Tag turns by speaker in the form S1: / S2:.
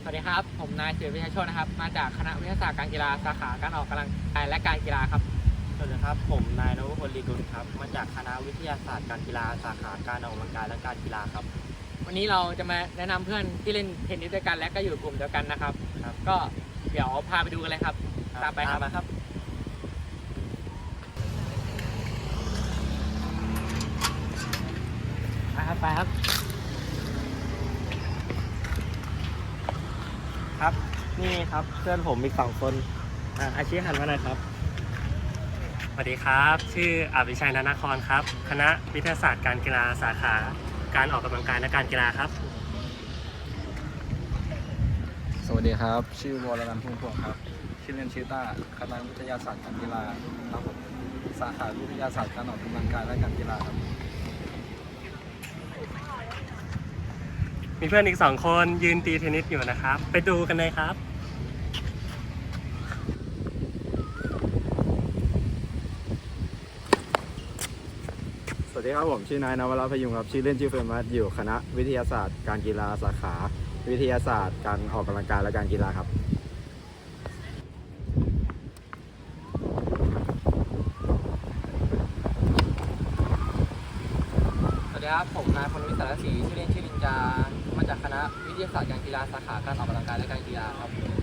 S1: สวัสดีครับผมนายเสือวิชัยโชตินะครับมาจากคณะวิทยาศาสตร์การกีฬาสาขาการออกกำลังกายและการกีฬาครับ
S2: สวัสดีครับผมนายนวพลลีกุลครับมาจากคณะวิทยาศาสตร์การกีฬาสาขาการออกกำลังกายและการกีฬาครับ
S1: วันนี้เราจะมาแนะนำเพื่อนที่เล่นเทนนิสด้วยกันและก็อยู่กลุ่มเดียวกันนะครับก็เดี๋ยวพาไปดูกันเลยครับตามไปครับไปครับ
S2: ครับนี่ครับเพื่อนผมอีก2 คนอาชีพหันมาหน่อยครับ
S3: สวัสดีครับชื่ออภิชัย นานครครับคณะวิทยาศาสตร์การกีฬาสาขาการออกกำลังกายและการกีฬาครับ
S4: สวัสดีครับชื่อวรนันท์ พุ่มพวงครับชื่อเล่นชื่อต้าคณะวิทยาศาสตร์การกีฬาครับผมสาขาวิทยาศาสตร์การออกกำลังกายและการกีฬาครับ
S3: มีเพื่อนอีก2 คนยืนตีเทนนิสอยู่นะครับไปดูกันเลยครับ
S4: สวัสดีครับผมชื่อนายนวรัตน์ พยุงครับชื่อเล่นชื่อเฟิร์นอยู่คณะวิทยาศาสตร์การกีฬาสาขาวิทยาศาสตร์การออกกำลังกายและการกีฬาครับ
S1: สวัสดีครับผมนายพลวิทย์ สารศรีชื่อเล่นชื่อลินจามาจากคณะวิทยาศาสตร์การกีฬาสาขาการออกกำลังกายและการกีฬาครับ